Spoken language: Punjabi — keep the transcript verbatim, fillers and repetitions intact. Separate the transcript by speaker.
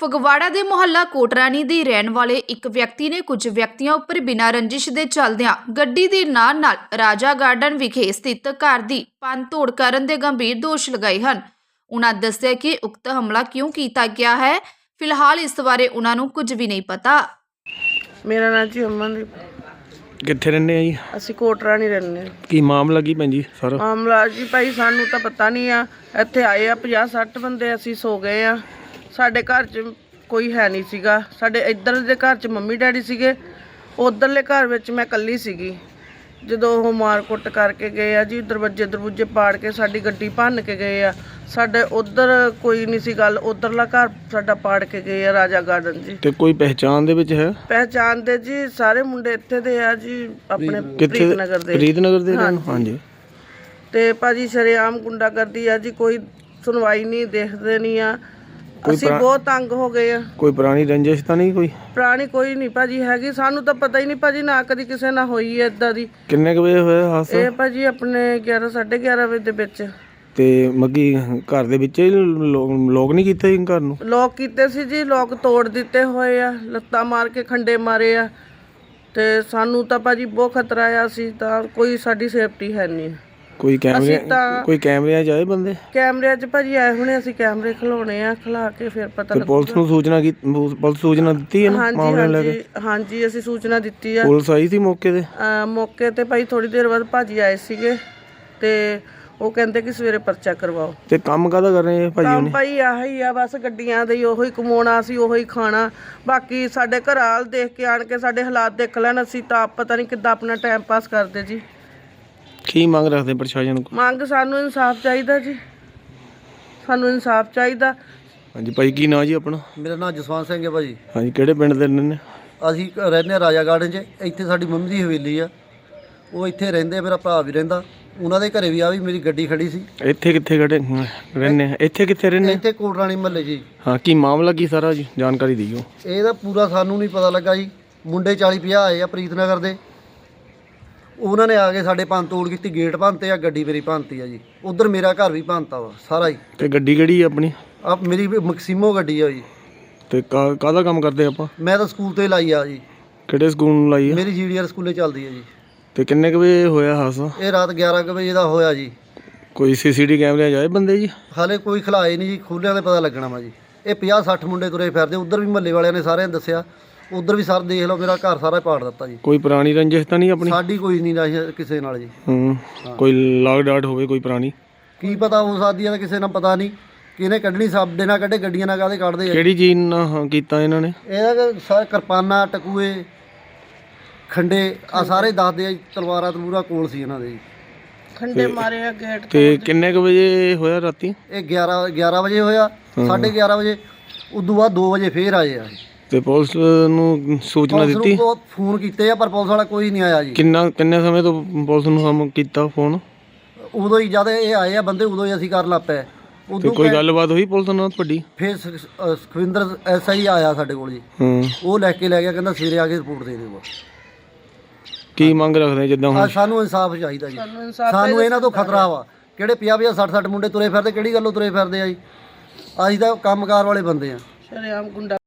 Speaker 1: ਫਗਵਾੜਾ ਦੇ ਮੁਹੱਲਾ ਕੋਟਰਾਣੀ ਦੇ ਰਹਿਣ ਵਾਲੇ ਇੱਕ ਵਿਅਕਤੀ ਨੇ ਕੁਝ ਵਿਅਕਤੀਆਂ ਉੱਪਰ ਬਿਨਾਂ ਰੰਜਿਸ਼ ਦੇ ਚੱਲਦਿਆਂ ਗੱਡੀ ਦੇ ਨਾਲ ਨਾਲ ਰਾਜਾ ਗਾਰਡਨ ਵਿਖੇ ਸਥਿਤ ਘਰ ਦੀ ਭੰਨ-ਤੋੜ ਕਰਨ ਦੇ ਗੰਭੀਰ ਦੋਸ਼ ਲਗਾਏ ਹਨ। ਉਨ੍ਹਾਂ ਦੱਸਿਆ ਕਿ ਉਕਤ ਹਮਲਾ ਕਿਉਂ ਕੀਤਾ ਗਿਆ ਹੈ, ਫਿਲਹਾਲ ਇਸ ਬਾਰੇ ਉਨ੍ਹਾਂ ਨੂੰ ਕੁਝ ਵੀ ਨਹੀਂ ਪਤਾ।
Speaker 2: ਮੇਰਾ ਨਾਮ ਜੀ ਅਮਨਦੀਪ।
Speaker 3: ਕਿੱਥੇ ਰਹਿੰਦੇ ਆ ਜੀ?
Speaker 2: ਅਸੀਂ ਕੋਟਰਾਣੀ ਰਹਿੰਦੇ।
Speaker 3: ਕੀ ਮਾਮਲਾ ਕੀ ਭੈਣ ਜੀ ਸਾਰਾ?
Speaker 2: ਮਾਮਲਾ ਜੀ ਭਾਈ ਸਾਨੂੰ ਤਾਂ ਪਤਾ ਨਹੀਂ ਆ। ਇੱਥੇ ਆਏ ਆ ਪੰਜਾਹ ਸੱਠ ਬੰਦੇ, ਅਸੀਂ ਸੋ ਗਏ ਆ। ਸਾਡੇ ਘਰ 'ਚ ਕੋਈ ਹੈ ਨਹੀਂ ਸੀਗਾ। ਸਾਡੇ ਇੱਧਰ ਦੇ ਘਰ 'ਚ ਮੰਮੀ ਡੈਡੀ ਸੀਗੇ, ਉੱਧਰਲੇ ਘਰ ਵਿੱਚ ਮੈਂ ਇਕੱਲੀ ਸੀਗੀ। ਜਦੋਂ ਉਹ ਮਾਰ ਕੁੱਟ ਕਰਕੇ ਗਏ ਆ ਜੀ, ਦਰਵਾਜ਼ੇ ਦਰਵਾਜ਼ੇ ਪਾੜ ਕੇ ਸਾਡੀ ਗੱਡੀ ਭੰਨ ਕੇ ਗਏ ਆ। ਸਾਡੇ ਉੱਧਰ ਕੋਈ ਨਹੀਂ ਸੀ ਗੱਲ, ਉੱਧਰਲਾ ਘਰ ਸਾਡਾ ਪਾੜ ਕੇ ਗਏ ਆ ਰਾਜਾ ਗਾਰਡਨ ਜੀ।
Speaker 3: ਤੇ ਕੋਈ ਪਹਿਚਾਣ ਦੇ ਵਿੱਚ ਹੈ?
Speaker 2: ਪਹਿਚਾਣ ਦੇ ਜੀ ਸਾਰੇ ਮੁੰਡੇ ਇੱਥੇ ਦੇ ਆ ਜੀ, ਆਪਣੇ ਪ੍ਰੀਤਨਗਰ ਦੇ।
Speaker 3: ਪ੍ਰੀਤਨਗਰ ਦੇ ਹਾਂਜੀ।
Speaker 2: ਤੇ ਭਾਜੀ ਸ਼ਰੇਆਮ ਗੁੰਡਾਗਰਦੀ ਆ ਜੀ, ਕੋਈ ਸੁਣਵਾਈ ਨਹੀਂ, ਦੇਖਦੇ ਨਹੀਂ ਆ। ਅਸੀਂ ਬਹੁਤ ਤੰਗ ਹੋ ਗਏ ਆ।
Speaker 3: ਕੋਈ ਪੁਰਾਣੀ ਰੰਜਿਸ਼ ਤਾਂ ਨਹੀਂ? ਕੋਈ
Speaker 2: ਪੁਰਾਣੀ ਕੋਈ ਨਹੀਂ ਭਾਜੀ ਹੈਗੀ, ਸਾਨੂੰ ਤਾਂ ਪਤਾ ਹੀ ਨਹੀਂ ਭਾਜੀ, ਨਾ ਕਦੀ ਕਿਸੇ ਨਾਲ ਹੋਈ ਹੈ ਇਦਾਂ ਦੀ।
Speaker 3: ਕਿੰਨੇ ਕੁ ਵਜੇ ਹੋਇਆ ਹਾਦਸਾ?
Speaker 2: ਇਹ ਭਾਜੀ ਆਪਣੇ ਗਿਆਰਾਂ ਸਾਢੇ ਗਿਆਰਾਂ ਵਜੇ ਦੇ ਵਿੱਚ।
Speaker 3: ਤੇ ਮੱਗੀ ਘਰ ਦੇ ਵਿੱਚ ਲੋਕ ਨਹੀਂ ਕੀਤੇ ਘਰ ਨੂੰ?
Speaker 2: ਲੋਕ ਕੀਤੇ ਸੀ ਜੀ, ਲੋਕ ਤੋੜ ਦਿੱਤੇ ਹੋਏ ਆ, ਲੱਤਾਂ ਮਾਰ ਕੇ ਖੰਡੇ ਮਾਰੇ ਆ। ਤੇ ਸਾਨੂੰ ਤਾਂ ਭਾਜੀ ਬਹੁਤ ਖਤਰਾ ਆ, ਅਸੀਂ ਤਾਂ ਕੋਈ ਸਾਡੀ ਸੇਫਟੀ ਹੈ ਨਹੀਂ।
Speaker 3: ਕੋਈ ਕੈਮਰੇ ਕੋਈ ਕੈਮਰਿਆਂ 'ਚ ਆਏ ਬੰਦੇ?
Speaker 2: ਕੈਮਰਿਆਂ 'ਚ ਭਾਜੀ ਆਏ ਹੁਣੇ, ਅਸੀਂ ਕੈਮਰੇ ਖਿਲਾਉਣੇ ਆ, ਖਿਲਾ ਕੇ ਫਿਰ ਪਤਾ ਲੱਗੂਗਾ।
Speaker 3: ਪੁਲਿਸ ਨੂੰ ਸੂਚਨਾ ਕੀਤੀ? ਪੁਲਿਸ ਸੂਚਨਾ ਦਿੱਤੀ ਹੈ ਨਾ ਮਾਮਲੇ ਲੈ ਕੇ?
Speaker 2: ਹਾਂਜੀ ਅਸੀਂ ਸੂਚਨਾ ਦਿੱਤੀ ਆ।
Speaker 3: ਪੁਲਿਸ ਆਈ ਸੀ ਮੌਕੇ ਤੇ?
Speaker 2: ਮੌਕੇ ਤੇ ਭਾਈ ਥੋੜੀ ਦੇਰ ਬਾਅਦ ਭਾਜੀ ਆਏ ਸੀਗੇ ਤੇ ਉਹ ਕਹਿੰਦੇ ਕਿ ਸਵੇਰੇ ਪਰਚਾ ਕਰਵਾਓ।
Speaker 3: ਤੇ ਕੰਮ ਕਾਹਦਾ ਕਰ ਰਹੇ ਭਾਜੀ?
Speaker 2: ਕੰਮ ਭਾਈ ਆਹੀ ਆ, ਬਸ ਗੱਡੀਆਂ ਦੇ ਹੀ, ਉਹੀ ਕਮਾਉਣਾ ਸੀ, ਉਹੀ ਖਾਣਾ। ਬਾਕੀ ਸਾਡੇ ਘਰ ਹਾਲ ਦੇਖ ਕੇ ਆਣ ਕੇ ਸਾਡੇ ਹਾਲਾਤ ਦੇਖ ਲੈਣ, ਅਸੀਂ ਤਾਂ ਆਪ ਪਤਾ ਨਹੀਂ ਕਿੱਦਾਂ ਆਪਣਾ ਟਾਈਮ ਪਾਸ ਕਰਦੇ ਜੀ।
Speaker 3: ਕੀ ਮੰਗ ਰੱਖਦੇ ਪ੍ਰਸ਼ਾਸਨ ਕੋਲ?
Speaker 2: ਮੰਗ ਸਾਨੂੰ ਇਨਸਾਫ ਚਾਹੀਦਾ ਜੀ, ਸਾਨੂੰ ਇਨਸਾਫ ਚਾਹੀਦਾ।
Speaker 3: ਹਾਂਜੀ ਭਾਈ, ਕੀ ਨਾਂ ਜੀ ਆਪਣਾ?
Speaker 4: ਮੇਰਾ ਨਾਮ ਜਸਵੰਤ ਸਿੰਘ ਹੈ ਭਾਜੀ।
Speaker 3: ਹਾਂਜੀ, ਕਿਹੜੇ ਪਿੰਡ ਦੇ ਰਹਿੰਦੇ?
Speaker 4: ਅਸੀਂ ਰਹਿੰਦੇ ਹਾਂ ਰਾਜਾ ਗਾਰਡਨ 'ਚ। ਇੱਥੇ ਸਾਡੀ ਮੰਮੀ ਦੀ ਹਵੇਲੀ ਆ, ਉਹ ਇੱਥੇ ਰਹਿੰਦੇ ਆ, ਮੇਰਾ ਭਰਾ ਵੀ ਰਹਿੰਦਾ। ਉਹਨਾਂ ਦੇ ਘਰੇ ਵੀ ਆ ਵੀ ਮੇਰੀ ਗੱਡੀ ਖੜੀ ਸੀ।
Speaker 3: ਇੱਥੇ ਕਿੱਥੇ ਖੜੇ ਰਹਿੰਦੇ? ਇੱਥੇ ਕਿੱਥੇ ਰਹਿੰਦੇ?
Speaker 4: ਇੱਥੇ ਕੋਟਰਾਣੀ ਮਹੱਲੇ ਜੀ।
Speaker 3: ਹਾਂ, ਕੀ ਮਾਮਲਾ ਕੀ ਸਾਰਾ ਜੀ, ਜਾਣਕਾਰੀ ਦਿਓ।
Speaker 4: ਇਹਦਾ ਪੂਰਾ ਸਾਨੂੰ ਨਹੀਂ ਪਤਾ ਲੱਗਾ ਜੀ। ਮੁੰਡੇ ਚਾਲੀ ਪੰਜਾਹ ਆਏ ਆ ਪ੍ਰੀਤਨਗਰ ਦੇ, ਉਹਨਾਂ ਨੇ ਆ ਕੇ ਸਾਡੇ ਭੰਨ ਤੋੜ ਕੀਤੀ, ਗੇਟ ਭੰਨਤੇ ਆ, ਗੱਡੀ ਮੇਰੀ ਭੰਨਤੀ ਆ ਜੀ। ਉਧਰ ਮੇਰਾ ਘਰ ਵੀ ਭੰਨਤਾ ਵਾ ਸਾਰਾ ਹੀ।
Speaker 3: ਤੇ ਗੱਡੀ ਕਿਹੜੀ ਆ ਆਪਣੀ?
Speaker 4: ਆ ਮੇਰੀ ਮੈਕਸੀਮੋ ਗੱਡੀ ਆ ਜੀ।
Speaker 3: ਤੇ ਕਾਹਦਾ ਕੰਮ ਕਰਦੇ ਆਪਾਂ?
Speaker 4: ਮੈਂ ਤਾਂ ਸਕੂਲ ਤੇ ਲਾਈ ਆ ਜੀ।
Speaker 3: ਕਿਹੜੇ ਸਕੂਲ ਨੂੰ ਲਾਈ ਆ?
Speaker 4: ਮੇਰੀ ਜੀਡੀਆਰ ਸਕੂਲੇ ਚੱਲਦੀ ਆ ਜੀ।
Speaker 3: ਤੇ ਕਿੰਨੇ ਕੁ ਵਜੇ ਹੋਇਆ ਹਾਦਸਾ?
Speaker 4: ਇਹ ਰਾਤ ਗਿਆਰਾਂ ਕੁ ਵਜੇ ਦਾ ਹੋਇਆ ਜੀ।
Speaker 3: ਕੋਈ ਸੀਸੀਟੀ ਕੈਮਰੇ ਜਾਏ ਬੰਦੇ ਜੀ?
Speaker 4: ਹਾਲੇ ਕੋਈ ਖਿਲਾਏ ਨਹੀਂ ਜੀ, ਖੋਲ੍ਹਿਆਂ ਤੇ ਪਤਾ ਲੱਗਣਾ ਵਾ ਜੀ। ਇਹ ਪੰਜਾਹ ਸੱਠ ਮੁੰਡੇ ਤੁਰੇ ਫਿਰਦੇ, ਉੱਧਰ ਵੀ ਮਹੱਲੇ ਵਾਲਿਆਂ ਨੇ ਸਾਰਿਆਂ ਨੇ ਦੱਸਿਆ, ਉੱਧਰ ਵੀ ਸਰ ਦੇਖ ਲਓ, ਮੇਰਾ ਘਰ ਸਾਰਾ ਪਾੜ ਦਿੱਤਾ ਜੀ।
Speaker 3: ਕੋਈ ਪੁਰਾਣੀ ਰੰਜਿਸ਼ ਤਾਂ ਨਹੀਂ ਆਪਣੀ?
Speaker 4: ਸਾਡੀ ਕੋਈ ਨਹੀਂ ਰਾਜ ਕਿਸੇ ਨਾਲ ਜੀ।
Speaker 3: ਹੂੰ, ਕੋਈ ਲਾਗ ਡਾਟ ਹੋਵੇ ਕੋਈ ਪੁਰਾਣੀ?
Speaker 4: ਕੀ ਪਤਾ ਹੋ ਸਕਦੀ ਹੈ, ਕਿਸੇ ਨਾਲ ਪਤਾ ਨਹੀਂ ਕਿਹਨੇ ਕੱਢਣੀ। ਸਾਡੇ ਨਾਲ ਕੱਢੇ, ਗੱਡੀਆਂ ਨਾਲ ਕਾਹਦੇ ਕੱਢਦੇ ਆ।
Speaker 3: ਕਿਹੜੀ ਚੀਜ਼ ਨਾਲ ਕੀਤਾ ਇਹਨਾਂ ਨੇ?
Speaker 4: ਇਹਦਾ ਸਾ ਕਿਰਪਾਨਾਂ, ਟਕੂਏ, ਖੰਡੇ ਆ ਸਾਰੇ ਦੱਸਦੇ ਆ ਜੀ। ਤਲਵਾਰਾਂ ਤਲੂਰਾਂ ਕੋਲ ਸੀ ਇਹਨਾਂ ਦੇ ਜੀ।
Speaker 2: ਖੰਡੇ ਮਾਰੇ ਆ ਗੇਟ
Speaker 3: ਤੇ ਕਿੰਨੇ ਕੁ ਵਜੇ ਹੋਇਆ ਰਾਤੀ?
Speaker 4: ਇਹ ਗਿਆਰਾਂ ਗਿਆਰਾਂ ਵਜੇ ਹੋਇਆ, ਸਾਢੇ ਗਿਆਰਾਂ ਵਜੇ। ਉਦੋਂ ਬਾਅਦ ਦੋ ਵਜੇ ਫੇਰ ਆਏ ਆ।
Speaker 3: ਤੇ ਪੁਲਿਸ ਨੂੰ ਸੂਚਨਾ ਦਿੱਤੀ?
Speaker 4: ਫੋਨ ਕੀਤੇ ਆ ਪਰ ਪੁਲਿਸ ਵਾਲਾ ਕੋਈ ਨਹੀਂ ਆਇਆ ਜੀ।
Speaker 3: ਕਿੰਨਾ ਕਿੰਨੇ ਸਮੇਂ ਤੋਂ ਪੁਲਿਸ ਨੂੰ ਹਮ ਕੀਤਾ ਫੋਨ?
Speaker 4: ਉਦੋਂ ਹੀ ਜਦ ਇਹ ਆਏ ਆ ਬੰਦੇ, ਉਦੋਂ ਹੀ ਅਸੀਂ ਕਰਨ ਲੱਗ ਪਏ।
Speaker 3: ਉਦੋਂ ਕੋਈ ਗੱਲਬਾਤ ਹੋਈ ਪੁਲਿਸ ਨਾਲ ਤੁਹਾਡੀ?
Speaker 4: ਫਿਰ ਸੁਖਵਿੰਦਰ ਐਸ ਆਈ ਆਇਆ ਸਾਡੇ ਕੋਲ ਜੀ।
Speaker 3: ਹੂੰ, ਉਹ
Speaker 4: ਲੈ ਕੇ ਲੈ ਗਿਆ, ਕਹਿੰਦਾ ਸਵੇਰੇ ਆ ਕੇ ਰਿਪੋਰਟ ਦੇ ਦੇਊਗਾ।
Speaker 3: ਕੀ ਮੰਗ ਰੱਖਦੇ ਜਿੱਦਾਂ ਹੁਣ?
Speaker 4: ਸਾਨੂੰ ਇਨਸਾਫ ਚਾਹੀਦਾ ਜੀ। ਸਾਨੂੰ ਇਹਨਾਂ ਤੋਂ ਖਤਰਾ ਵਾ। ਕਿਹੜੇ ਪੰਜਾਹ ਪੰਜਾਹ ਸੱਠ ਸੱਠ ਮੁੰਡੇ ਤੁਰੇ ਫਿਰਦੇ, ਕਿਹੜੀ ਗੱਲੋਂ ਤੁਰੇ ਫਿਰਦੇ ਆ ਜੀ? ਅਸੀਂ ਤਾਂ ਕੰਮਕਾਰ ਵਾਲੇ ਬੰਦੇ ਆ।
Speaker 2: ਸ਼ਰੇਆਮ ਗੁੰਡਾ